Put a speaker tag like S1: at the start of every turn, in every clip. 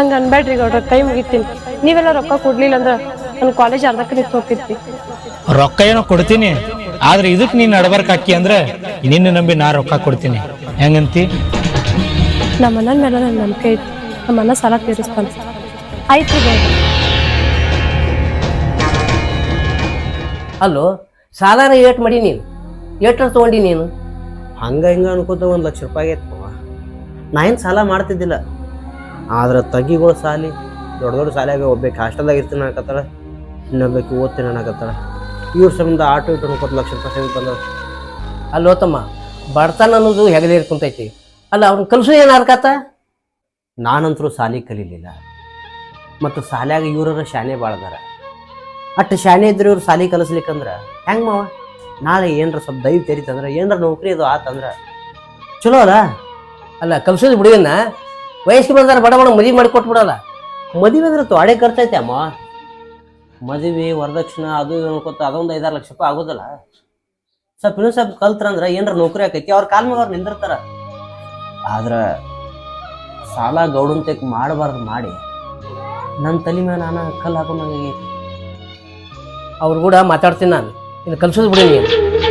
S1: ಹಂಗ ಅನ್ಬೇಡ್ರಿ ಗೌಡ್ರ, ಕೈ ಮುಗಿತೀನಿ. ನೀವೆಲ್ಲ ರೊಕ್ಕ ಕೊಡ್ಲಿಲ್ಲ ಅಂದ್ರ ನನ್ ಕಾಲೇಜ್ ಅರ್ಧಕ್ಕೆ ನಿಂತು ಹೋಗ್ತಿರ್ತಿ.
S2: ರೊಕ್ಕ ಏನೋ ಕೊಡ್ತೀನಿ, ಆದ್ರೆ ಇದಕ್ ನೀನ್ ನಡ್ಬರ್ಕ್ ಹಾಕಿ ಅಂದ್ರೆ ನಿನ್ನ ನಂಬಿ ನಾ ರೊಕ್ಕ ಕೊಡ್ತೀನಿ. ಹೆಂಗಂತಿ?
S1: ನಮ್ಮ ಅಣ್ಣನ ಮೇಲೆ ನನ್ ನಂಬಿಕೆ ಐತಿ. ನಮ್ಮ ಅಣ್ಣ ಸಾಲ ತೀರಿಸ್ತಾನ. ಆಯ್ತು ಗೌಡ್ರ.
S3: ಅಲ್ಲೋ, ಸಾಲಾರ ಏಟ್ ಮಾಡಿ ನೀನು ಏಟ್ರ ತೊಗೊಂಡಿ ನೀನು?
S4: ಹಂಗೆ ಹಿಂಗೆ ಅನ್ಕೋತ 1 ಲಕ್ಷ ರೂಪಾಯಿ ಐತವ. ನಾ ಏನು ಸಾಲ ಮಾಡ್ತಿದ್ದಿಲ್ಲ, ಆದ್ರೆ ತಗ್ಗಿಗಳು ಸಾಲಿ ದೊಡ್ಡ ದೊಡ್ಡ ಸಾಲಿಯಾಗ ಒಬ್ಬಕ್ಕೆ ಹಾಸ್ಟೆಲ್ದಾಗ ಇರ್ತೀನಿ ಅನ್ನಕತ್ತಾಳ, ಇನ್ನೊಬ್ಬಕ್ಕೆ ಓದ್ತೀನಿ ಅನ್ನಕತ್ತಾಳ. ಇವ್ರ ಸಂಬಂಧ ಆಟೋ ಇಟ್ಟು 20 ಲಕ್ಷ ರೂಪಾಯಿ ಸಂಗೀತ ಬಂದವ.
S3: ಅಲ್ಲೋ ತಮ್ಮ, ಬಡತನ ಅನ್ನೋದು ಹೆಗಲೇರಿ ಕುಂತೈತಿ. ಅಲ್ಲ ಅವ್ನ ಕಲ್ಸು ಏನು ಅರ್ಕಾತ?
S4: ನಾನಂತರೂ ಸಾಲಿ ಕಲೀಲಿಲ್ಲ, ಮತ್ತು ಸಾಲ್ಯಾಗ ಇವ್ರ ಶಾನೆ ಭಾಳದಾರ. ಅಟ್ಟು ಶಾನೆ ಇದ್ರೆ ಇವ್ರು ಸಾಲಿ ಕಲಿಸ್ಲಿಕ್ಕಂದ್ರೆ ಹೆಂಗೆ ಮಾವ? ನಾಳೆ ಏನರ ಸ್ವಲ್ಪ ದೈವ ತೆರಿತಂದ್ರೆ ಏನರ ನೌಕರಿ ಅದು ಆತಂದ್ರೆ ಚಲೋ ಅಲ್ಲ.
S3: ಅಲ್ಲ ಕಲ್ಸೋದು ಬಿಡುವನ್ನ ವಯಸ್ಸಿಗೆ ಬಂದಾರ ಬಡ ಬಡ ಮದುವೆ ಮಾಡಿ ಕೊಟ್ಬಿಡಲ್ಲ.
S4: ಮದುವೆ ಅಂದ್ರೆ ತೊಡೆ ಖರ್ಚೈತೆ ಅಮ್ಮ. ಮದುವೆ ವರದಕ್ಷಿಣೆ ಅದು ಅನ್ಕೋತ ಅದೊಂದು 5-6 ಲಕ್ಷ ರೂಪಾಯಿ ಆಗೋದಲ್ಲ. ಸ್ವಲ್ಪ ಇನ್ನೂ ಸ್ವಲ್ಪ ಕಲ್ತ್ರಂದ್ರೆ ಏನರ ನೌಕರಿ ಆಕೈತಿ, ಅವ್ರ ಕಾಲ ಮ್ಯಾಗ ಅವ್ರು ನಿಂದಿರ್ತಾರ. ಆದ್ರೆ ಸಾಲ ಗೌಡಂತೆಕ್ ಮಾಡಬಾರ್ದು ಮಾಡಿ ನನ್ನ ತಲೆ ಮೇಲೆ ನಾನು ಕಲ್ಲು ಹಾಕೊಂಡಂಗೆ.
S3: ಅವ್ರು ಕೂಡ ಮಾತಾಡ್ತೀನಿ ನಾನು. ಇನ್ನು ಕಲ್ಸೋದು ಬಿಡಿ ನೀನು.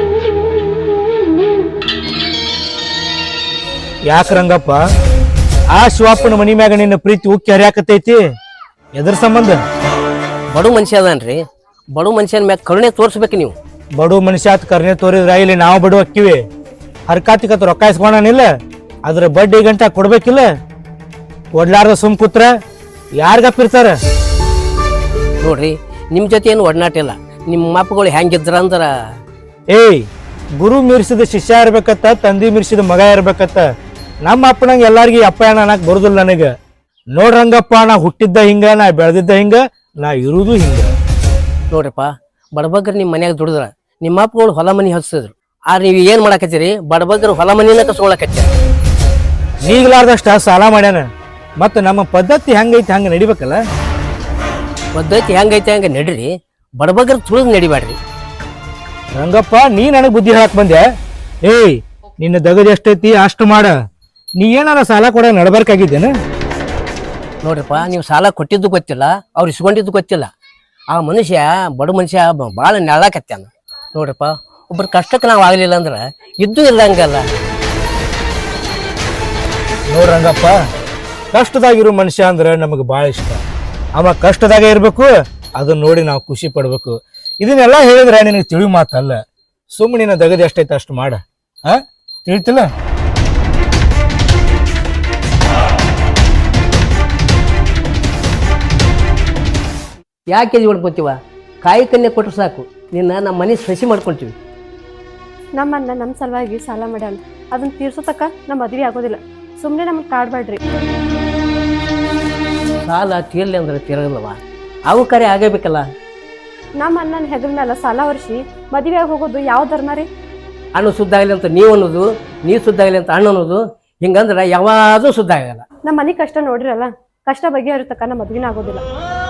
S2: ಯಾಕ ರಂಗಪ್ಪ, ಆ ಶಿವಪ್ಪನ ಮನಿ ಮ್ಯಾಗ ನಿನ್ನ ಪ್ರೀತಿ ಉಕ್ಕಿ ಹರಿಯಾಕತೈತಿ? ಎದ್ರ ಸಂಬಂಧ?
S3: ಬಡ ಮನುಷ್ಯ ಅದಾನ್ರಿ, ಬಡ ಮನುಷ್ಯನ ಮ್ಯಾಗ ಕರುಣೆ ತೋರಿಸ್ಬೇಕು ನೀವು.
S2: ಬಡು ಮನುಷ್ಯ ಆತ್ ಕರ್ನೆ ತೋರಿದ್ರ ಇಲ್ಲಿ ನಾವು ಬಡು ಅಕ್ಕಿವಿ. ಹರ್ಕಾತಿಕತ್ ರೊಕ್ಕ ಇಸ್ಕೊಳನಿಲ್ಲ, ಅದ್ರ ಬಡ್ಡಿ ಗಂಟ ಕೊಡ್ಬೇಕಿಲ್ಲ. ಕೊಡ್ಲಾರ್ದ ಸುಮ್ ಕೂತ್ರ ಯಾರಿಗಪ್ಪಿರ್ತಾರ?
S3: ನೋಡ್ರಿ, ನಿಮ್ಮ ಜೊತೆ ಏನು ಒಡನಾಟ ಇಲ್ಲ. ನಿಮ್ಮ ಮಪ್ಪಗಳು ಹೆಂಗಿದ್ರ ಅಂದ್ರ,
S2: ಏಯ್, ಗುರು ಮೀರ್ಸಿದ ಶಿಷ್ಯ ಇರ್ಬೇಕತ್ತ, ತಂದಿ ಮೀರ್ಸಿದ ಮಗ ಇರ್ಬೇಕತ್ತ. ನಮ್ಮ ಅಪ್ಪನಂಗೆ ಎಲ್ಲಾರ್ಗಿ ಅಪ್ಪ ಅಣ್ಣ ಅನ್ನಕ್ ಬರುದಿಲ್ಲ ನನಗ. ನೋಡ್ರಂಗಪ್ಪ, ನಾ ಹುಟ್ಟಿದ್ದ ಹಿಂಗ, ನಾ ಬೆಳೆದಿದ್ದ ಹಿಂಗ, ನಾ ಇರುವುದು ಹಿಂಗ.
S3: ನೋಡ್ರಿಪ್ಪ, ಬಡಬಗ್ಗರು ನಿಮ್ಮ ಮನ್ಯಾಗ ದುಡಿದ್ರ ನಿಮ್ಮ ಅಪ್ಪಗಳು ಹೊಲ ಮನಿ ಹಚ್ಚಿದ್ರು. ಆದ್ರೆ ನೀವು ಏನ್ ಮಾಡಾಕತ್ತೀರಿ? ಬಡಬಗ್ಗರು ಹೊಲ ಮನಿನ ಕಸ್ಕೊಳಕತ್ತೀರ.
S2: ನೀಗ್ಲಾರ್ದಷ್ಟ ಸಾಲ ಮಾಡ್ಯಾನ. ಮತ್ತ ನಮ್ಮ ಪದ್ಧತಿ ಹೆಂಗೈತಿ ಹಂಗ ನಡಿಬೇಕಲ್ಲ.
S3: ಪದ್ಧತಿ ಹೆಂಗೈತೆ ಹಂಗ ನಡ್ರಿ, ಬಡಬಗ್ಗರು ತುಳಿದು ನಡಿಬ್ಯಾಡ್ರಿ.
S2: ರಂಗಪ್ಪ, ನೀ ನನಗ್ ಬುದ್ಧಿ ಹೇಳಕ್ ಬಂದೆ? ಏಯ್, ನಿನ್ನ ದಗದ ಎಷ್ಟೈತಿ ಅಷ್ಟು ಮಾಡ. ನೀ ಏನಾರ ಸಾಲ ಕೊಡ ನಡ್ಬರ್ಕಾಗಿದ್ದೇನ?
S3: ನೋಡ್ರಿಪ್ಪ, ನೀವು ಸಾಲ ಕೊಟ್ಟಿದ್ದು ಗೊತ್ತಿಲ್ಲ, ಅವ್ರು ಇಸ್ಕೊಂಡಿದ್ದು ಗೊತ್ತಿಲ್ಲ. ಆ ಮನುಷ್ಯ ಬಡ ಮನುಷ್ಯ ಭಾಳ ನೆಳಾಕತ್ಯಾನ. ನೋಡ್ರಿಪ್ಪ, ಒಬ್ಬರ ಕಷ್ಟಕ್ಕೆ ನಾವು ಆಗ್ಲಿಲ್ಲ ಅಂದ್ರೆ ಇದ್ದು ಇಲ್ಲಂಗಲ್ಲ.
S2: ನೋಡ್ರಂಗಪ್ಪ, ಕಷ್ಟದಾಗಿರೋ ಮನುಷ್ಯ ಅಂದ್ರೆ ನಮಗೆ ಭಾಳ ಇಷ್ಟ. ಅವ ಕಷ್ಟದಾಗ ಇರ್ಬೇಕು, ಅದನ್ನ ನೋಡಿ ನಾವು ಖುಷಿ ಪಡ್ಬೇಕು. ಇದನ್ನೆಲ್ಲ ಹೇಳಿದ್ರೆ ನಿನಗೆ ತಿಳಿ ಮಾತಲ್ಲ. ಸುಮ್ಮನೆ ನಿನ್ನ ದಗದ ಎಷ್ಟೈತೆ ಅಷ್ಟು ಮಾಡ. ತಿಳಿತಿಲ್ಲ?
S3: ಯಾಕೆ ಇದು ಮಾಡ್ಕೊತೀವ? ಕಾಯಿ ಕನ್ಯೆ ಕೊಟ್ಟರು ಸಾಕು, ನಿನ್ನ ನಮ್ಮ ಮನೆ ಸಸಿ ಮಾಡ್ಕೊಳ್ತೀವಿ.
S1: ನಮ್ಮ ಅಣ್ಣ ನಮ್ಮ ಸಲುವಾಗಿ ಸಾಲ ಮಾಡ್ಯಾನ. ಅದನ್ನ ತೀರ್ಸೋ ತಕ್ಕ ನಮ್ಮ ಮದ್ವೆ ಆಗೋದಿಲ್ಲ. ಸುಮ್ಮನೆ ನಮ್ಮನ್ನ ಕಾಡ್ಬೇಡ್ರಿ.
S3: ಸಾಲ ತೀರ್ಲಿ ಅಂದ್ರೆ ತೀರಲ್ಲವ, ಅವು ಕರೆ ಆಗಬೇಕಲ್ಲ.
S1: ನಮ್ಮ ಅಣ್ಣನ ಹೆಗಲ ಮೇಲೆ ಸಾಲ ವರ್ಷಿ ಮದುವೆ ಹೋಗೋದು ಯಾವ ಧರ್ಮ ರೀ?
S3: ಹಣ್ಣು ಶುದ್ಧ ಆಗಲಿ ಅಂತ ನೀವು ಅನ್ನೋದು, ನೀವು ಶುದ್ಧ ಆಗಲಿ ಅಂತ ಹಣ್ಣು ಅನ್ನೋದು. ಹಿಂಗಂದ್ರೆ ಯಾವಾಗೂ ಶುದ್ಧ ಆಗಲ್ಲ.
S1: ನಮ್ಮ ಮನೆ ಕಷ್ಟ ನೋಡ್ರಿರಲ್ಲ, ಕಷ್ಟ ಬಗೆಹರಿತಕ್ಕ ನಮ್ಮ ಮದ್ವಿನ ಆಗೋದಿಲ್ಲ.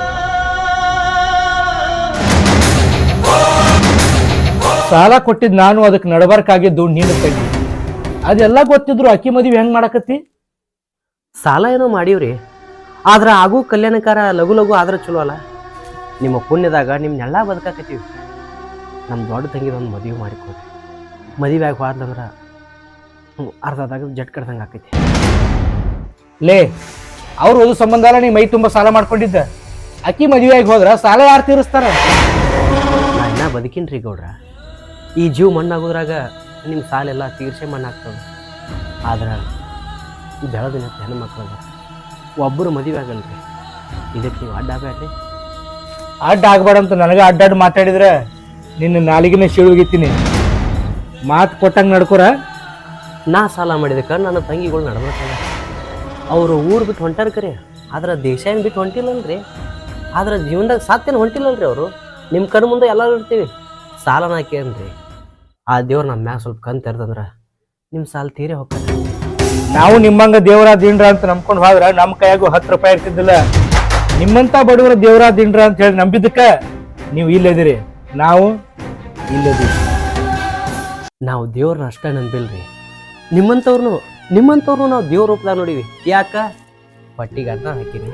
S2: ಸಾಲ ಕೊಟ್ಟಿದ್ ನಾನು, ಅದಕ್ಕೆ ನಡಬರ್ಕಾಗಿದ್ದು ನೀನು ತಂಗಿ. ಅದೆಲ್ಲ ಗೊತ್ತಿದ್ರು ಅಕ್ಕಿ ಮದುವೆ ಹೆಂಗ್ ಮಾಡಕತ್ತಿ?
S4: ಸಾಲ ಏನೋ ಮಾಡೀವ್ರಿ, ಆದ್ರೆ ಆಗೂ ಕಲ್ಯಾಣಕಾರ ಲಘು ಲಘು ಆದ್ರೆ ಚಲೋ ಅಲ್ಲ. ನಿಮ್ಮ ಪುಣ್ಯದಾಗ ನಿಮ್ನೆಲ್ಲ ಬದುಕಾಕತ್ತೀವಿ. ನಮ್ಮ ದೊಡ್ಡ ತಂಗಿದೊಂದು ಮದುವೆ ಮಾಡಿಕೊಡ್ರಿ. ಮದುವೆ ಆಗಿ ಹೋದ್ಲಂದ್ರೆ ಅರ್ಧದಾಗ ಜಟ್ ಕಡ್ದಂಗೆ ಆಕೈತಿ.
S2: ಲೇ, ಅವ್ರು ಓದು ಸಂಬಂಧ ಅಲ್ಲ ನೀ ಮೈ ತುಂಬ ಸಾಲ ಮಾಡ್ಕೊಂಡಿದ್ದ. ಅಕ್ಕಿ ಮದುವೆ ಆಗಿ ಹೋದ್ರ ಸಾಲ ಯಾರು ತೀರಿಸ್ತಾರ?
S4: ನಾ ಇನ್ನ ಬದುಕಿನ್ರಿ ಗೌಡ್ರ. ಈ ಜೀವ ಮಣ್ಣಾಗೋದ್ರಾಗ ನಿಮ್ಮ ಸಾಲೆಲ್ಲ ತೀರ್ಸೆ ಮಣ್ಣಾಗ್ತದೆ. ಆದ್ರೆ ಬೆಳೆದಿನ ಹೆಣ್ಮಕ್ಳು ಒಬ್ಬರು ಮದುವೆ ಆಗಲ್ರಿ. ಇದಕ್ಕೆ ನೀವು ಅಡ್ಡ ಆಗಬೇಡ್ರಿ.
S2: ಅಡ್ಡ ಆಗ್ಬೇಡಂತ ನನಗೆ ಅಡ್ಡಾಡ್ ಮಾತಾಡಿದ್ರೆ ನಿನ್ನ ನಾಲಿಗೆನ ಶಿಳುಗಿತ್ತೀನಿ. ಮಾತು ಕೊಟ್ಟಂಗೆ ನಡ್ಕೊರ.
S4: ನಾ ಸಾಲ ಮಾಡಿದಕ್ಕೆ ನನ್ನ ತಂಗಿಗಳು ನಡ್ಬೇಕಲ್ಲ. ಅವರು ಊರು ಬಿಟ್ಟು ಹೊಂಟಾರ ಕರೆ, ಆದ್ರೆ ದೇಶ ಏನು ಬಿಟ್ಟು ಹೊಂಟಿಲ್ಲಲ್ರಿ. ಆದ್ರೆ ಜೀವನದಾಗ ಸಾತ್ತೇನು ಹೊಂಟಿಲ್ಲಲ್ರಿ ಅವರು. ನಿಮ್ಮ ಕಣ್ಣು ಮುಂದೆ ಎಲ್ಲರೂ ಇರ್ತೀವಿ. ಸಾಲನ ಹಾಕೇನ್ರಿ, ಆ ದೇವ್ರು ನಮ್ಮ ಮ್ಯಾಗ ಸ್ವಲ್ಪ ಕಣ್ ತೆರೆದಂದ್ರೆ ನಿಮ್ಮ ಸಾಲ ತೀರೇ ಹೋಗ್ತಾರೆ.
S2: ನಾವು ನಿಮ್ಮಂಗ ದೇವರ ದಿಂಡ್ರ ಅಂತ ನಂಬ್ಕೊಂಡು ಹೋದ್ರ ನಮ್ಮ ಕೈಯಾಗೂ 10 ರೂಪಾಯಿ ಇರ್ತಿದ್ದಿಲ್ಲ. ನಿಮ್ಮಂತ ಬಡವರ ದೇವರ ದಿಂಡ್ರ ಅಂತ ಹೇಳಿ ನಂಬಿದ್ದಕ್ಕ ನೀವು ಇಲ್ಲದಿರಿ, ನಾವು ಇಲ್ಲದಿರಿ.
S4: ನಾವು ದೇವ್ರನ್ನ ಅಷ್ಟೇ ನಂಬಿಲ್ರಿ. ನಿಮ್ಮಂಥವ್ರು ನಾವು ದೇವ್ರ ರೂಪದಾಗ ನೋಡಿವಿ. ಯಾಕ? ಪಟ್ಟಿಗೆ ಅನ್ನ ಹಾಕಿರಿ,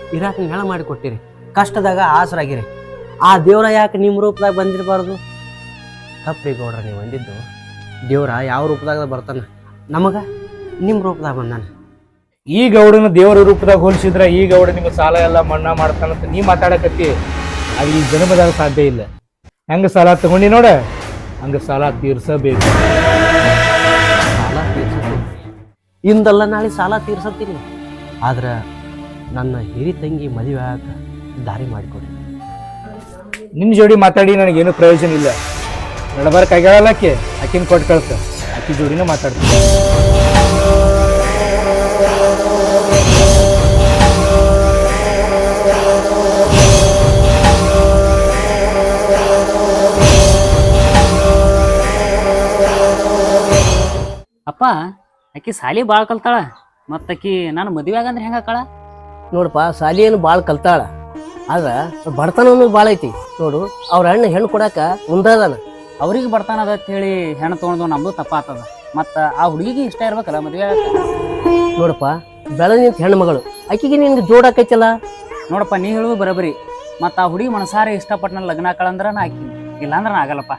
S4: ಇರಾಕ ನೆಳ ಮಾಡಿ ಕೊಟ್ಟಿರಿ, ಕಷ್ಟದಾಗ ಆಸರಾಗಿರಿ. ಆ ದೇವ್ರ ಯಾಕೆ ನಿಮ್ಮ ರೂಪದಾಗ ಬಂದಿರಬಾರ್ದು? ತಪ್ಪ್ರಿ ಗೌಡ್ರ, ನೀವು ಅಂದಿದ್ದು. ದೇವ್ರ ಯಾವ ರೂಪದಾಗ ಬರ್ತಾನ, ನಮಗ ನಿಮ್ಮ ರೂಪದಾಗ ಬಂದಾನ.
S2: ಈ ಗೌಡನ ದೇವರ ರೂಪದಾಗ ಹೋಲಿಸಿದ್ರ ಈ ಗೌಡ ನಿಮ್ಗೆ ಸಾಲ ಎಲ್ಲ ಮನ್ನಾ ಮಾಡ್ತಾನಂತ ನೀ ಮಾತಾಡಕತ್ತಿ. ಅದು ಈ ಜನ್ಮದಾಗ ಸಾಧ್ಯ ಇಲ್ಲ. ಹೆಂಗ ಸಾಲ ತಗೊಂಡಿ ನೋಡ, ಹಂಗ ಸಾಲ ತೀರ್ಸಬೇಕು.
S4: ಸಾಲ ತೀರ್ಸತ್ತೀನಿ, ಇಂದಲ್ಲ ನಾಳೆ ಸಾಲ ತೀರ್ಸತ್ತೀನಿ. ಆದ್ರೆ ನನ್ನ ಹಿರಿ ತಂಗಿ ಮದುವೆ ಆಗ ದಾರಿ ಮಾಡಿಕೊಡಿ.
S2: ನಿನ್ನ ಜೋಡಿ ಮಾತಾಡಿ ನನಗೇನು ಪ್ರಯೋಜನ ಇಲ್ಲ. ನಡಬಾರಕ್ ಆಗ್ಯಾಳಲ್ಲ ಆಕೆ, ಆಕಿನ ಕೊಟ್ಟು ಕಳ್ಸ. ಆಕಿ ಜೋಡಿನ ಮಾತಾಡ್ತೀನಿ.
S5: ಅಪ್ಪ, ಆಕಿ ಸಾಲಿ ಭಾಳ ಕಲ್ತಾಳ, ಮತ್ತು ಆಕಿ ನಾನು ಮದುವೆ ಆಗಂದ್ರೆ ಹೆಂಗೆ ಆಕಳ?
S3: ನೋಡಪ್ಪ, ಸಾಲಿ ಏನು ಭಾಳ ಕಲ್ತಾಳ, ಆದ್ರೆ ಬಡತನ ಅನ್ನೋದು ಭಾಳ ಐತಿ ನೋಡು. ಅವ್ರ ಅಣ್ಣ ಹೆಣ್ಣು ಕೊಡಾಕ ಮುಂದಾದಾನ.
S5: ಅವ್ರಿಗೆ ಬರ್ತಾನದ ಅಂತ ಹೇಳಿ ಹೆಣ್ಣು ತೊಗೊಂಡು ನಮ್ದು ತಪ್ಪಾತದ. ಮತ್ತು ಆ ಹುಡುಗಿಗೆ ಇಷ್ಟ ಇರ್ಬೇಕಲ್ಲ ಮದುವೆ ಆಗಕ್ಕೆ.
S3: ನೋಡಪ್ಪ, ಬೆಳೆದ ಹೆಣ್ಣು ಮಗಳು, ಆಕಿಗೆ ನಿನ್ಗೆ ಜೋಡಾಕೈತಲ್ಲ.
S5: ನೋಡಪ್ಪ, ನೀ ಹೇಳೋದು ಬರೋಬರಿ. ಮತ್ತು ಆ ಹುಡುಗಿ ಮನಸಾರೆ ಇಷ್ಟಪಟ್ಟು ನನ್ನ ಲಗ್ನ ಆಕಳಂದ್ರೆ ನಾ ಆಕಿ, ಇಲ್ಲಾಂದ್ರೆ ನಾ ಆಗಲ್ಲಪ್ಪ.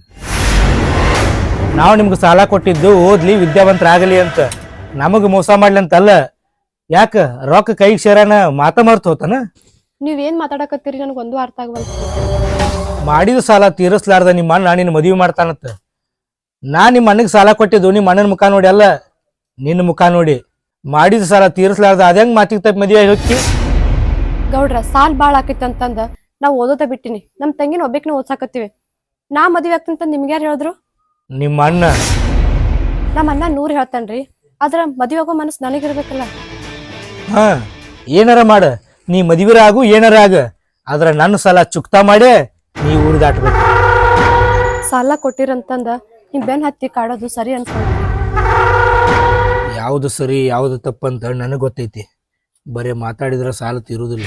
S2: ನಾವು ನಿಮ್ಗೆ ಸಾಲ ಕೊಟ್ಟಿದ್ದು ಓದ್ಲಿ, ವಿದ್ಯಾವಂತರಾಗಲಿ ಅಂತ. ನಮಗೆ ಮೋಸ ಮಾಡ್ಲಿ ಅಂತಲ್ಲ. ಯಾಕ ರೊಕ್ಕ ಕೈಗೆ ಸೇರಾನ ಮಾತ ಮರ್ತು ಹೋತಾನ?
S1: ನೀವೇನ್ ಮಾತಾಡಕತ್ತೀರಿ ನನಗೊಂದು ಅರ್ಥ ಆಗವಲ್ದು.
S2: ಮಾಡಿದ ಸಾಲ ತೀರಿಸ್ಲಾರ್ದ ನಿಮ್ಮ ಅಣ್ಣ ನಿನ್ನ ಮದುವೆ ಮಾಡ್ತಾನಂತ. ನಾ ನಿಮ್ಮ ಅಣ್ಣಗೆ ಸಾಲ ಕೊಟ್ಟಿದ್ದು ನಿಮ್ಮ ಅಣ್ಣನ ಮುಖ ನೋಡಿ ಅಲ್ಲ, ನಿನ್ನ ಮುಖ ನೋಡಿ. ಮಾಡಿದ ಸಾಲ ತೀರಿಸ್ಲಾರ್ದ ಅದಂಗ್ ಮಾತಿಗೆ ತಪ್ಪಿ ಮದುವೆ ಹೋಗಿ.
S1: ಗೌಡ್ರ, ಸಾಲ್ ಬಾಳ ಆಕೈತಿ ಅಂತಂದ ನಾವ್ ಓದೋದ ಬಿಟ್ಟಿನಿ. ನಮ್ ತಂಗಿನ ಒಬ್ಬಕ್ನ ಓದ್ಸಾಕತ್ತೀವಿ. ನಾ ಮದ್ವೆ ಆಗ್ತಂತ ನಿಮ್ಗೆ ಯಾರು ಹೇಳಿದ್ರು?
S2: ನಿಮ್ಮ ಅಣ್ಣ.
S1: ನಮ್ಮ ಅಣ್ಣ 100 ಹೇಳ್ತಾನ್ರಿ, ಆದ್ರ ಮದ್ವೆ ಆಗೋ ಮನಸ್ಸು ನನಗಿರ್ಬೇಕಲ್ಲ.
S2: ಹಾ, ಏನಾರ ಮಾಡ, ನೀ ಮದುವೆ ಆಗು, ಏನಾರ ಆಗ. ಆದ್ರ ನನ್ನ ಸಾಲ ಚುಕ್ತಾ ಮಾಡೇ ನೀ ಊರು ದಾಟ್ಬೇಕು.
S1: ಸಾಲ ಕೊಟ್ಟಿರಂತಂದ ನಿಮ್ ಬೆನ್ ಹತ್ತಿ ಕಾಡೋದು ಸರಿ ಅನ್ಸ್ಕೊಂಡ್ರಿ?
S2: ಯಾವ್ದು ಸರಿ ಯಾವ್ದು ತಪ್ಪಂತ ನನಗೆ ಗೊತ್ತೈತಿ. ಬರೇ ಮಾತಾಡಿದ್ರ ಸಾಲ ತೀರುದಿಲ್ಲ.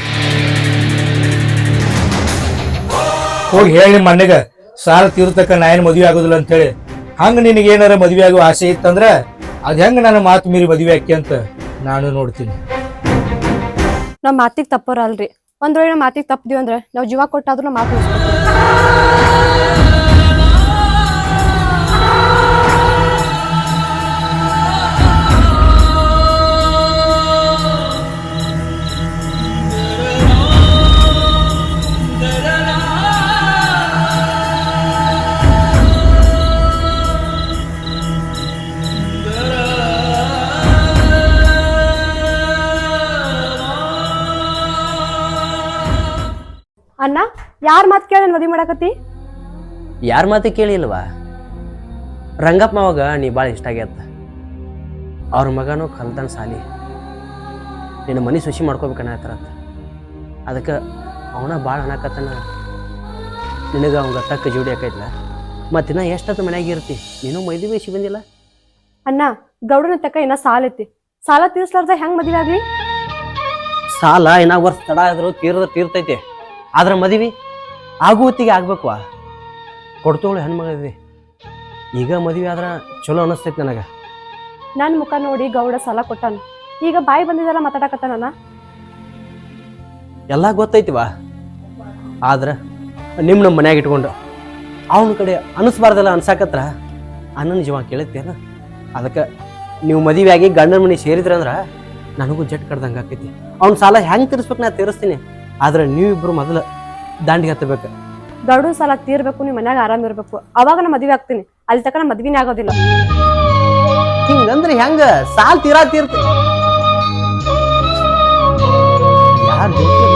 S2: ಹೋಗಿ ಹೇಳಿ ನಿಮ್ಮ ಅಣ್ಣಗ ಸಾಲ ತೀರ್ತಕ್ಕ ನಾ ಏನ್ ಮದುವೆ ಆಗೋದಿಲ್ಲ ಅಂತ ಹೇಳಿ. ಹಂಗ ನಿನಗೆ ಏನಾರ ಮದುವೆ ಆಗೋ ಆಸೆ ಇತ್ತಂದ್ರ ಅದ್ ಹೆಂಗ ನನ್ನ ಮಾತು ಮೀರಿ ಮದುವೆ ಆಕಿ ಅಂತ ನಾನು ನೋಡ್ತೀನಿ.
S1: ನಾವ್ ಮಾತಿಗೆ ತಪ್ಪೋರ ಅಲ್ರಿ. ಒಂದ್ ವೇಳೆ ಮಾತಿಗೆ ತಪ್ಪದಿವಿ ಅಂದ್ರೆ ನಾವ್ ಜೀವ ಕೊಟ್ಟಾದ್ರೂ ಮಾತು ಉಳಿಸ್ಕೊತೀವಿ. ಅಣ್ಣ, ಯಾರ್ ಮಾತು ಕೇಳಿ ಮದ್ವಿ ಮಾಡಾಕತ್ತಿ?
S4: ಯಾರ ಮಾತು ಕೇಳಿಲ್ವಾ? ರಂಗಪ್ಪ ಮಾವಾಗ ನೀ ಭಾಳ ಇಷ್ಟ ಆಗ್ಯತ್ತ. ಅವ್ರ ಮಗನೂ ಕಲ್ತಾನ ಸಾಲಿ, ನಿನ್ನ ಮನೆ ಸೊಸಿ ಮಾಡ್ಕೋಬೇಕನ್ನತ್ತಾರಂತ. ಅದಕ್ಕೆ ಅವನ ಭಾಳ ಅನ್ನಕತ್ತಾನ. ನಿನಗೆ ಅವಂಗ ತಕ್ಕ ಜೋಡಿ ಆಕೈತ್ಲ. ಮತ್ತಿನ್ನ ಎಷ್ಟೊತ್ತು ಮನ್ಯಾಗ ಇರ್ತಿ? ನೀನು ಮೈದಿ ಬೇಸಿ ಬಂದಿಲ್ಲ.
S1: ಅಣ್ಣ, ಗೌಡನ ತಕ್ಕ ಇನ್ನ ಸಾಲ ಐತಿ. ಸಾಲ ತೀರ್ಸ್ಲಾರ್ದ ಹೆಂಗ್ ಮದ್ವೆ ಆಗ್ಲಿ?
S4: ಸಾಲ ಇನ್ನ ವರ್ಷ ತಡ ಆದ್ರೂ ತೀರ್ತೈತಿ. ಆದ್ರೆ ಮದುವೆ ಆಗುವತ್ತಿಗೆ ಆಗ್ಬೇಕು. ಕೊಡ್ತೋಳು ಹೆಣ್ಮಗಳಿದ್ವಿ. ಈಗ ಮದುವೆ ಆದ್ರೆ ಚಲೋ ಅನಿಸ್ತೈತಿ ನನಗೆ.
S1: ನನ್ ಮುಖ ನೋಡಿ ಗೌಡ ಸಾಲ ಕೊಟ್ಟಾನ, ಈಗ ಬಾಯಿ ಬಂದಿದ್ದೆಲ್ಲ ಮಾತಾಡಕತ್ತಾನ.
S4: ಎಲ್ಲ ಗೊತ್ತೈತಿವ. ಆದ್ರೆ ನಮ್ಮ ಮನ್ಯಾಗ ಇಟ್ಕೊಂಡು ಅವನ ಕಡೆ ಅನಿಸ್ಬಾರ್ದಲ್ಲ ಅನ್ಸಾಕತ್ರ ಅಣ್ಣನ ಜೀವ ಕೇಳುತ್ತೇನ. ಅದಕ್ಕೆ ನೀವು ಮದುವೆ ಆಗಿ ಗಂಡನ ಮನೆ ಸೇರಿದ್ರಂದ್ರೆ ನನಗೂ ಜಟ್ ಕಡ್ದಂಗೆ ಆಕೈತಿ. ಅವ್ನ ಸಾಲ ಹೆಂಗೆ ತೀರಿಸ್ಬೇಕು ನಾ ತೀರಿಸ್ತೀನಿ. ಆದ್ರೆ ನೀವಿಬ್ರು ಮೊದಲು ದಾಂಡಿಗೆ ಹತ್ತಬೇಕು.
S1: ಗೌಡನ ಸಾಲ ತೀರ್ಬೇಕು, ನಿಮ್ ಮನ್ಯಾಗ ಆರಾಮ್ ಇರ್ಬೇಕು, ಅವಾಗ ನಾ ಮದ್ವೆ ಆಗ್ತೀನಿ. ಅಲ್ಲಿ ತಕ್ಕ ನಾ ಮದ್ವಿನೇ ಆಗೋದಿಲ್ಲ.
S4: ಹಿಂಗಂದ್ರೆ ಹೆಂಗ? ಸಾಲ ತೀರ್ತ ಯಾರು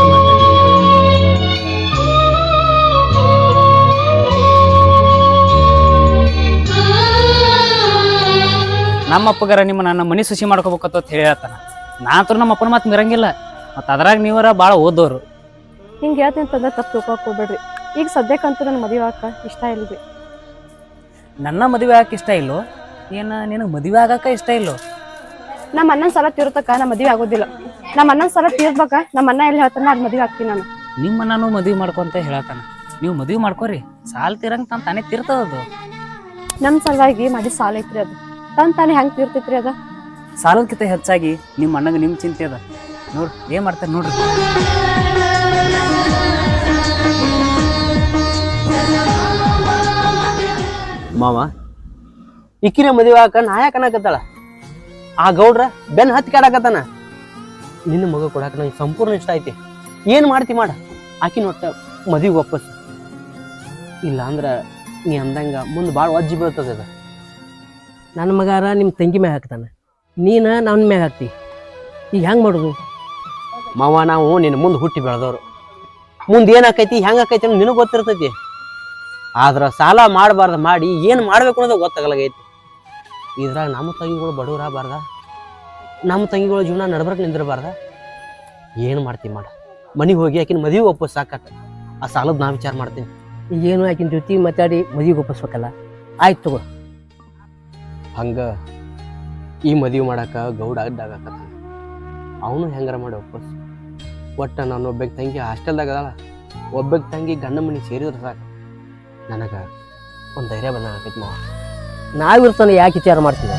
S5: ನಮ್ಮ ಅಪ್ಪಗಾರ ನಿಮ್ಮ ನನ್ನ ಮನೆ ಸುಶಿ ಮಾಡ್ಕೋಬೇಕಂತ ಹೇಳ್ತಾನ. ನಾ ಅಂತೂ ನಮ್ಮ ಅಪ್ಪನ ಮಾತು ಮಿರಂಗಿಲ್ಲ. ಮತ್ತು ಅದ್ರಾಗ ನೀವರ ಭಾಳ ಓದೋರು.
S1: ಹಿಂಗೆ ಹೇಳ್ತೀನಿ ಅಂತಂದ್ರೆ ತಪ್ಪು ತಿಳ್ಕೊಕ್ ಹೋಗ್ಬೇಡ್ರಿ. ಈಗ ಸದ್ಯಕ್ಕಂತೂ ನನ್ನ ಮದುವೆ ಆಗಾಕ ಇಷ್ಟ ಇಲ್ರಿ.
S5: ನನ್ನ ಮದುವೆ ಆಗಕ್ಕೆ ಇಷ್ಟ ಇಲ್ಲೋ? ಏನು ನಿನಗೆ ಮದುವೆ ಆಗಕ್ಕೆ ಇಷ್ಟ ಇಲ್ಲೋ?
S1: ನಮ್ಮ ಅಣ್ಣನ ಸಾಲ ತೀರ್ತಕ್ಕ ನಾ ಮದುವೆ ಆಗೋದಿಲ್ಲ. ನಮ್ಮ ಅಣ್ಣನ ಸಾಲ ತೀರ್ಬೇಕ, ನಮ್ಮ ಅಣ್ಣ ಎಲ್ಲಿ ಹೇಳ್ತಾನ ಅದು ಮದುವೆ ಆಗ್ತೀನಿ ನಾನು.
S5: ನಿಮ್ಮ ನಾನು ಮದುವೆ ಮಾಡ್ಕೊಂತ ಹೇಳತ್ತಾನ. ನೀವು ಮದುವೆ ಮಾಡ್ಕೋರಿ, ಸಾಲ ತೀರಂಗೆ ತಾನೇ ತೀರ್ತದದು.
S1: ನಮ್ಮ ಸಲುವಾಗಿ ಮಾಡಿ ಸಾಲ ಐತ್ರಿ, ಅದು ತಾನೇ ಹೆಂಗೆ ತೀರ್ತೈತ್ರಿ? ಅದ
S5: ಸಾಲದಕ್ಕಿಂತ ಹೆಚ್ಚಾಗಿ ನಿಮ್ಮ ಅಣ್ಣಗೆ ನಿಮ್ಮ ಚಿಂತೆ ಅದ. ನೋಡ್ರಿ ಏನ್ ಮಾಡ್ತಾರೆ ನೋಡ್ರಿ.
S4: ಮಾವ ಇಕ್ಕಿರಿ ಮದುವೆ ಹಾಕ ನಾ ಯಾಕೆ ಅನ್ನಕತ್ತಾಳ? ಆ ಗೌಡ್ರ ಬೆನ್ ಹತ್ತಿ ಕಾಡಕತ್ತಾನ. ನಿನ್ನ ಮಗ ಕೊಡಾಕ ನಂಗೆ ಸಂಪೂರ್ಣ ಇಷ್ಟ ಐತಿ. ಏನ್ ಮಾಡ್ತಿ ಮಾಡ, ಆಕಿನ ಒಟ್ಟ ಮದುವೆ ವಾಪಸ್. ಇಲ್ಲ ಅಂದ್ರ ನೀ ಅಂದಂಗ ಮುಂದೆ ಭಾಳ ಒಜ್ಜಿ ಬೀಳ್ತದ ಅದ.
S3: ನನ್ನ ಮಗಾರ ನಿಮ್ಮ ತಂಗಿ ಮ್ಯಾಗ ಹಾಕ್ತಾನ, ನೀನು ನನ್ನ ಮ್ಯಾಗ ಹಾಕ್ತಿ. ಈಗ ಹೆಂಗೆ ಮಾಡೋದು?
S4: ಮಾವ ನಾವು ನಿನ್ನ ಮುಂದೆ ಹುಟ್ಟಿ ಬೆಳೆದವ್ರು. ಮುಂದೆ ಏನಾಕೈತಿ ಹೆಂಗೆ ಆಕೈತಿ ಅನ್ನೋ ನಿನಗೆ ಗೊತ್ತಿರ್ತೈತಿ. ಆದ್ರ ಸಾಲ ಮಾಡಬಾರ್ದು ಮಾಡಿ ಏನು ಮಾಡ್ಬೇಕು ಅನ್ನೋದು ಗೊತ್ತಾಗಲಾಗೈತಿ. ಇದ್ರಾಗ ನಮ್ಮ ತಂಗಿಗಳು ಬಡವರಾಗಬಾರ್ದ, ನಮ್ಮ ತಂಗಿಗಳ ಜೀವನ ನಡ್ಬರ್ಕ್ ನಿಂದಿರಬಾರ್ದ. ಏನು ಮಾಡ್ತೀವಿ ಮಾಡ, ಮನೆಗೆ ಹೋಗಿ ಆಕಿನ ಮದುವೆ ವಾಪಸ್ ಸಾಕಾತ. ಆ ಸಾಲದ ನಾ ವಿಚಾರ ಮಾಡ್ತೀನಿ.
S3: ಈಗೇನು ಆಕಿನ ಜೊತೆ ಮಾತಾಡಿ ಮದುವೆಗೆ ಒಪ್ಪಿಸ್ಬೇಕಲ್ಲ. ಆಯ್ತು ತಗೋ.
S4: ಹಂಗ ಈ ಮದುವೆ ಮಾಡಾಕ ಗೌಡ ಅಡ್ಡಾಗತ್ತ. ಅವನು ಹೆಂಗಾರ ಮಾಡಿ ವಾಪಸ್. ಒಟ್ಟ ನಾನು ಒಬ್ಬಕ್ಕೆ ತಂಗಿ ಹಾಸ್ಟೆಲ್ದಾಗ ಅದಲ್ಲ, ಒಬ್ಬಕ್ಕೆ ತಂಗಿ ಗಂಡ ಮನೆಗೆ ಸೇರಿದ್ರೆ ಸಾಕು, ನನಗೆ ಒಂದು ಧೈರ್ಯ ಬಂದಾಗೈತಿ ಮಾವ.
S3: ನಾವಿರ್ತಾನೆ ಯಾಕೆ ವಿಚಾರ ಮಾಡ್ತೀವಿ?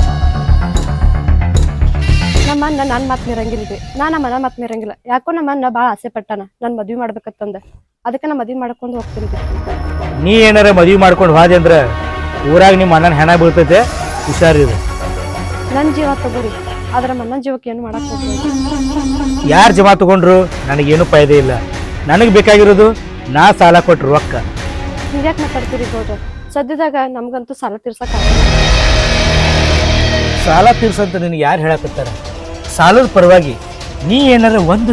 S1: ನಮ್ಮ ಅಣ್ಣ ನನ್ನ ಮಾತು ಮೀರಂಗಿಲ್ರಿ, ನಾನು ನಮ್ಮ ಅಣ್ಣ ಮಾತು ಮೀರಂಗಿಲ್ಲ. ಯಾಕೋ ನಮ್ಮ ಅಣ್ಣ ಭಾಳ ಆಸೆ ಪಟ್ಟಾನ ನಾನು ಮದ್ವೆ ಮಾಡ್ಬೇಕಂತಂದ. ಅದಕ್ಕೆ ನಾ ಮದ್ವೆ ಮಾಡ್ಕೊಂಡು ಹೋಗ್ತೀನಿ.
S2: ನೀ ಏನಾರ ಮದುವೆ ಮಾಡ್ಕೊಂಡು ಹೋದೆ ಅಂದ್ರೆ ಊರಾಗ ನಿಮ್ಮ ಅಣ್ಣನ ಹೆಣ ಬೀಳ್ತೈತೆ, ಹುಷಾರಿರು.
S1: ನನ್ನ ಜೀವ ತಗೋರಿ, ಆದ್ರೆ ನಮ್ಮ ಅಣ್ಣನ ಜೀವಕ್ಕೆ ಏನು ಮಾಡಕ್ ಹೋಗ್ತೀನಿ.
S2: ಯಾರು ಜಮಾ ತಗೊಂಡ್ರು ನನಗೇನು ಫಾಯ್ದೆ ಇಲ್ಲ. ನನಗೆ ಬೇಕಾಗಿರೋದು ನಾ ಸಾಲ ಕೊಟ್ಟರು ರೊಕ್ಕ.
S1: ಹಿಂಗ್ಯಾಕೆ ಮಾತಾಡ್ತೀರಿ ಗೌಡ್ರ? ಸದ್ಯದಾಗ ನಮ್ಗಂತೂ ಸಾಲ ತೀರ್ಸಕ್
S2: ಸಾಲ ತೀರ್ಸಂತ ನಿನಗೆ ಯಾರು ಹೇಳಕತ್ತಾರ? ಸಾಲದ ಪರವಾಗಿ ನೀ ಏನಾರ ಒಂದು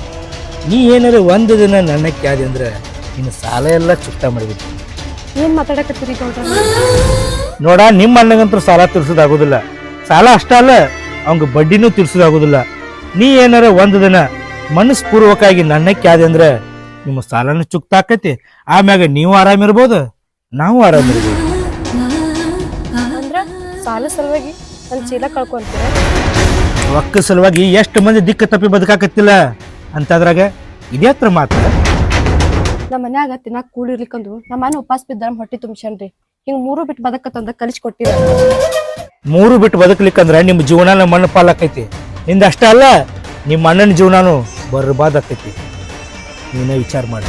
S2: ದಿನ ನನ್ನ ಕ್ಯಾದೆ ಅಂದ್ರೆ ನಿನ್ನ ಸಾಲ ಎಲ್ಲ ಚುಕ್ತ ಮಾಡಿಬಿಟ್ಟು.
S1: ಏನ್ ಮಾತಾಡಕತ್ತೀರಿ ಗೌಡ್ರ?
S2: ನೋಡ, ನಿಮ್ಮ ಅಣ್ಣಗಂತೂ ಸಾಲ ತೀರ್ಸೋದಾಗೋದಿಲ್ಲ. ಸಾಲ ಅಷ್ಟ ಅಲ್ಲ, ಅವಂಗ ಬಡ್ಡಿನೂ ತೀರ್ಸೋದಾಗೋದಿಲ್ಲ. ನೀ ಏನಾರ ಒಂದು ದಿನ ಮನಸ್ಪೂರ್ವಕವಾಗಿ ನನ್ನ ಕ್ಯಾದೆ ಅಂದ್ರೆ ನಿಮ್ಮ ಸಾಲನ ಚುಕ್ತ ಆಕೈತಿ. ಆಮ್ಯಾಗ ನೀವು ಆರಾಮಿರ್ಬೋದು, ನಾವು ಆರಾಮಿರ್ಬೋದು.
S1: ಅಂದ್ರ ಸಾಲ ಸಲುವಾಗಿ ನನ್ನ ಚೀಲ ಕಳ್ಕೊಂತೀರ?
S2: ರೊಕ್ಕ ಸಲುವಾಗಿ ಎಷ್ಟು ಮಂದಿ ದಿಕ್ಕ ತಪ್ಪಿ ಬದುಕಾಕತ್ತಿಲ್ಲ ಅಂತದ್ರಾಗ ಇದೇ ಹತ್ರ ಮಾತ್ರ.
S1: ನಮ್ಮ ಮನ್ಯಾಗ ತಿನ್ನಾಕ ಕೂಡಿರ್ಲಿಕ್ಕಂದು ನಮ್ಮ ಮನೆ ಉಪವಾಸ ಬಿದ್ದ ಹೊಟ್ಟಿ ತುಂಬ್ಸನ್ರಿ. ಹಿಂಗ್ 3 ಬಿಟ್ಟು ಬದಕತ್ತಂದ ಕಲಿಸಿ ಕೊಟ್ಟಿರ.
S2: 3 ಬಿಟ್ಟು ಬದುಕಲಿಕ್ಕಂದ್ರ ನಿಮ್ಮ ಜೀವನಾನ ಮಣ್ಣು ಪಾಲಾಕೈತಿ. ನಿಂದ ಅಷ್ಟ ಅಲ್ಲ, ನಿಮ್ಮ ಅಣ್ಣನ ಜೀವನಾನು ಬರ್ಬಾದ್ ಆಕೈತಿ. ನೀನೇ ವಿಚಾರ ಮಾಡಿ.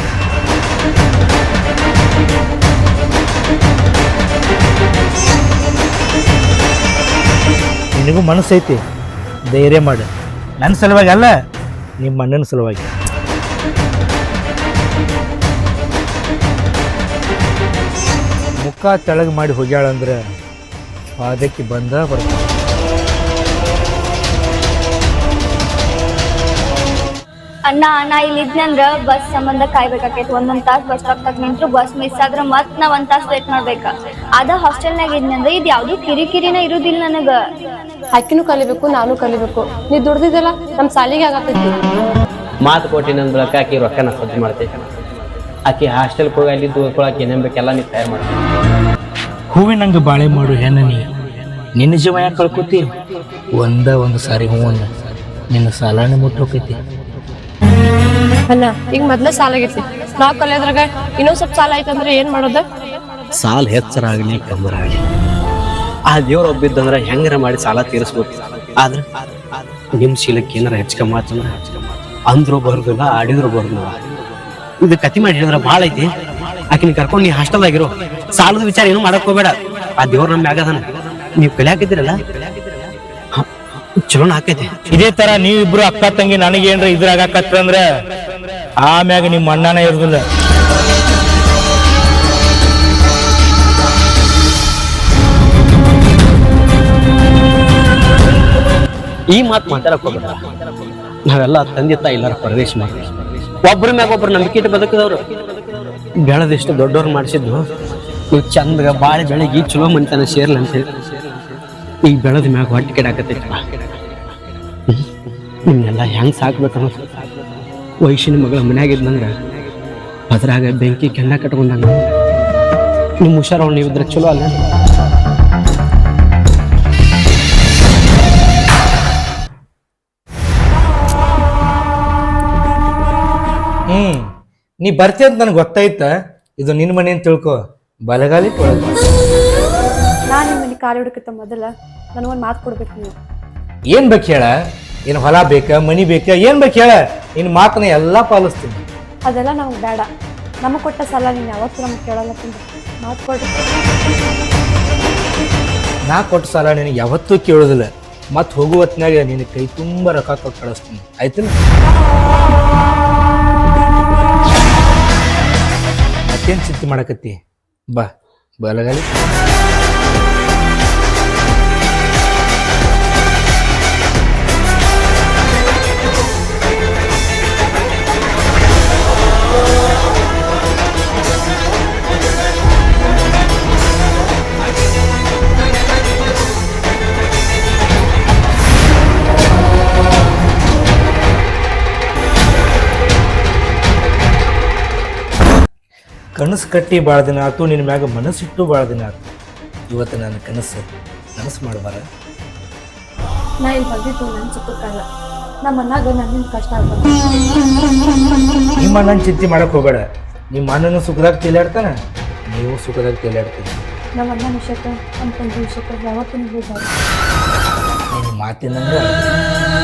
S2: ನಿನಗೂ ಮನಸ್ಸೈತಿ, ಧೈರ್ಯ ಮಾಡು. ನನ್ನ ಸಲುವಾಗಿ ಅಲ್ಲ, ನಿಮ್ಮ ಅಣ್ಣನ ಸಲುವಾಗಿ. ಮುಖ ತೆಳಗೆ ಮಾಡಿ ಹೋಗ್ಯಾಳಂದ್ರೆ ಅದಕ್ಕೆ ಬಂದ ಬರ್ತಾಳೆ.
S6: ಅಣ್ಣ ನಾ ಇಲ್ಲಿ ಇದ್ನಂದ್ರ ಬಸ್ ಸಂಬಂಧ ಕಾಯ್ಬೇಕಾಕೈತಿ. ಒಂದೊಂದ್ ತಾಸ್ ಬಸ್ ಸ್ಟಾಪ್ ತಗ ನಿಂತ್ರು ಬಸ್ ಮಿಸ್ ಆದ್ರ ಮತ್ ನಾ 1 ತಾಸ್ ವೇಟ್ ಮಾಡ್ಬೇಕ. ಅದ ಹಾಸ್ಟೆಲ್ನಾಗ ಇದ್ನಂದ್ರ ಇದ್ ಯಾವ್ದು ಕಿರಿಕಿರಿನ ಇರುದಿಲ್ಲ ನನಗ.
S1: ಆಕಿನೂ ಕಲಿಬೇಕು, ನಾನು ಕಲಿಬೇಕು. ನೀ ದುಡ್ದಿದ್ದಲ್ಲ ನಮ್ ಸಾಲಿಗೆ ಆಗತೈತಿ.
S4: ಮಾತು ಕೊಟ್ಟಿನ ಬಳಕ ಆಕಿ ರೊಕ್ಕನ ಸಜ್ಜು ಮಾಡ್ತೈತಿ. ಆಕಿ ಹಾಸ್ಟೆಲ್ಗೆ ಹೋಗಿ ಅಲ್ಲಿ ದೂರ್ಕೊಳಕ್ಕೆ ಏನೇನು ಬೇಕೆಲ್ಲ ನೀವು ತಯಾರು ಮಾಡ್ತೀವಿ.
S2: ಹೂವಿನಂಗ ಬಾಳೆ ಮಾಡು ಹೆಣ್ಣ ನೀ, ನಿನ್ನ ಜೀವ ಯಾಕೆ ಕಳ್ಕೊತಿ? ಒಂದು ಸಾರಿ ಹೂವನ್ನ ನಿನ್ನ ಸಾಲನ ಮುಟ್ಟೋಕೈತಿ.
S1: ಅಣ್ಣ ಈಗ ಮೊದ್ಲ ಸಾಲ ಆಗೈತಿ, ನಾವ್ ಕಲಿಯೋದ್ರಾಗ ಇನ್ನೊಂದ್ ಸ್ವಲ್ಪ ಸಾಲ ಐತಂದ್ರೆ ಏನ್ ಮಾಡೋದ?
S4: ಸಾಲ ಹೆಚ್ಚರಾಗಲಿ ಕಮ್ಮರಾಗಲಿ ಆ ದೇವ್ರ ಒಬ್ಬಿದ್ದಂದ್ರೆ ಹೆಂಗಾರ ಮಾಡಿ ಸಾಲ ತೀರಿಸ್ಬೇಕು. ಆದ್ರೆ ನಿಮ್ಮ ಶೀಲಕ್ಕೆ ಏನಾರ ಹೆಚ್ಚು ಕಮ್ಮಿ ಆತಂದ್ರೆ ಅಂದ್ರು ಬರೋದಿಲ್ಲ, ಆಡಿದ್ರು ಬರೋದಿಲ್ಲ. ಇದು ಕತಿ ಮಾಡಿ ಹೇಳಿದ್ರೆ ಭಾಳ ಐತಿ. ಆಕಿನ ಕರ್ಕೊಂಡು ನೀ ಹಾಸ್ಟೆಲ್ದಾಗಿರೋ, ಸಾಲದ ವಿಚಾರ ಏನು ಮಾಡಕ್ ಹೋಗ್ಬೇಡ. ಆ ದೇವ್ರ ನಮ್ಮ ಮ್ಯಾಗದಾನ. ನೀವು ಕಲಿಯಾಕಿದ್ದೀರಲ್ಲ ಚಲೋನ ಆಕೈತಿ.
S2: ಇದೇ ತರ ನೀವಿಬ್ರು ಅಕ್ಕ ತಂಗಿ ನನಗೇನ್ರ ಇದ್ರಾಗತ್ತಂದ್ರ ಆಮ್ಯಾಗ ನಿಮ್ಮ ಅಣ್ಣನ ಇರುದಿಲ್ಲ.
S4: ಈ ಮಾತು ಮಾತಾಡಕ್ ಹೋಗ್ಬೇಡ. ನಾವೆಲ್ಲ ತಂದೆ ತಾಯಿ ಇಲ್ಲಾರ ಪರದೇಶ ಮಾಡಿ ಒಬ್ರ ಮ್ಯಾಗ ಒಬ್ರು ನಂಬಿಕೆ ಇಟ್ಟು ಬದುಕಿದವ್ರು. ಬೆಳೆದಿಷ್ಟು ದೊಡ್ಡವ್ರು ಮಾಡಿಸಿದ್ದು ನೀವು ಚಂದಗ ಬಾಳೆ ಬೆಳಗ್ಗೆ ಚಲೋ ಮನಿತನ ಸೇರ್ಲ ಅಂತ ಹೇಳಿ ಈಗ ಬೆಳೆದ ಮ್ಯಾಗ ಹೊಟ್ಟೆ ಕೆಡಾಕತ್ತೈತಲ್ಲ. ನಿಮ್ನೆಲ್ಲ ಹೆಂಗ್ ಸಾಕ್ಬೇಕನ್ನೋ ವಯಸ್ಸಿನ ಮಗಳ ಮನ್ಯಾಗಿದ್ದಂಗ ಅದ್ರಾಗ ಬೆಂಕಿ ಕೆಂಡ ಕಟ್ಕೊಂಡಂಗ ನಿಮ್ಮ ಹುಷಾರ ನೀವಿದ್ರೆ ಚಲೋ ಅಲ್ಲ.
S2: ನೀ ಬರ್ತಿ ಅಂತ ನನಗೆ ಗೊತ್ತಾಯ್ತ. ಇದು ನಿನ್ನ ಮನೆ ಅಂತ ತಿಳ್ಕೊ. ಬಲಗಾಲಿ
S1: ನಾ ನಿಮ್ಮ ಮನೆ ಕಾಲು ಹಿಡಕತ್ತ ಮೊದಲ ನನಗೊಂದು ಮಾತು ಕೊಡ್ಬೇಕು. ನೀವು
S2: ಏನ್ ಬೇಕು ಹೇಳ? ಏನು ಹೊಲ ಬೇಕಾ ಮನಿ ಬೇಕಾ ಏನ್ ಬೇಕು ಹೇಳ ನಿನ್ನ ಮಾತನ್ನ ಎಲ್ಲಾ ಪಾಲಿಸ್ತೀನಿ.
S1: ಅದೆಲ್ಲ ನಮ್ಗೆ ಬೇಡ. ನಮಗೆ ಕೊಟ್ಟ ಸಾಲ ನೀನು ಯಾವತ್ತೂ ನಮ್ಗೆ ಕೇಳಲ್ಲ ತಂದೆ. ಮಾತು ಕೊಡ್ರಿ.
S2: ನಾ ಕೊಟ್ಟ ಸಾಲ ನಿನಗೆ ಯಾವತ್ತೂ ಕೇಳೋದಿಲ್ಲ. ಮತ್ತೆ ಹೋಗುವ ಹೊತ್ನಾಗ ನಿನ್ನ ಕೈ ತುಂಬ ರೊಕ್ಕ ಕೊಟ್ಟು ಕಳಿಸ್ತೀನಿ, ಆಯ್ತಿಲ್ಲ? ಮತ್ತೇನು ಚಿಂತೆ ಮಾಡಕತ್ತಿ? ಬಾ ಬಲಗಾಲಿ. ಕನಸು ಕಟ್ಟಿ ಭಾಳ ದಿನ ಆಯ್ತು, ನಿನ್ನ ಮ್ಯಾಗ ಮನಸ್ಸಿಟ್ಟು ಭಾಳ ದಿನ ಆಯ್ತು. ಇವತ್ತು ನನ್ನ ಕನಸು ಮಾಡಬಾರ.
S1: ನಾ ಇಲ್ಲಿ ಬಂದಿದ್ದು ನನ್ನ ಸುಖಕ್ಕಲ್ಲ, ನಮ್ಮ ಅಣ್ಣಾಗ ನನ್ನಿಂದ ಕಷ್ಟ ಆಗ್ಬಾರ್ದು.
S2: ನಿಮ್ಮ ಅಣ್ಣನ ಚಿಂತೆ ಮಾಡಕ್ಕೆ ಹೋಗಬೇಡ. ನಿಮ್ಮ ಅಣ್ಣನ ಸುಖದಾಗ ತೇಲಾಡ್ತಾನೆ, ನೀವು ಸುಖದಾಗ ತೇಲಾಡ್ತೀವಿ.
S1: ನಮ್ಮ ಅಣ್ಣನ ವಿಷಯಕ್ಕೆ ನಮ್ಮ ತಂದೆ ವಿಷಯಕ್ಕೆ ಯಾವತ್ತೂ ನೀವು
S2: ನಿಮ್ಮ ಮಾತಿನಂಗೆ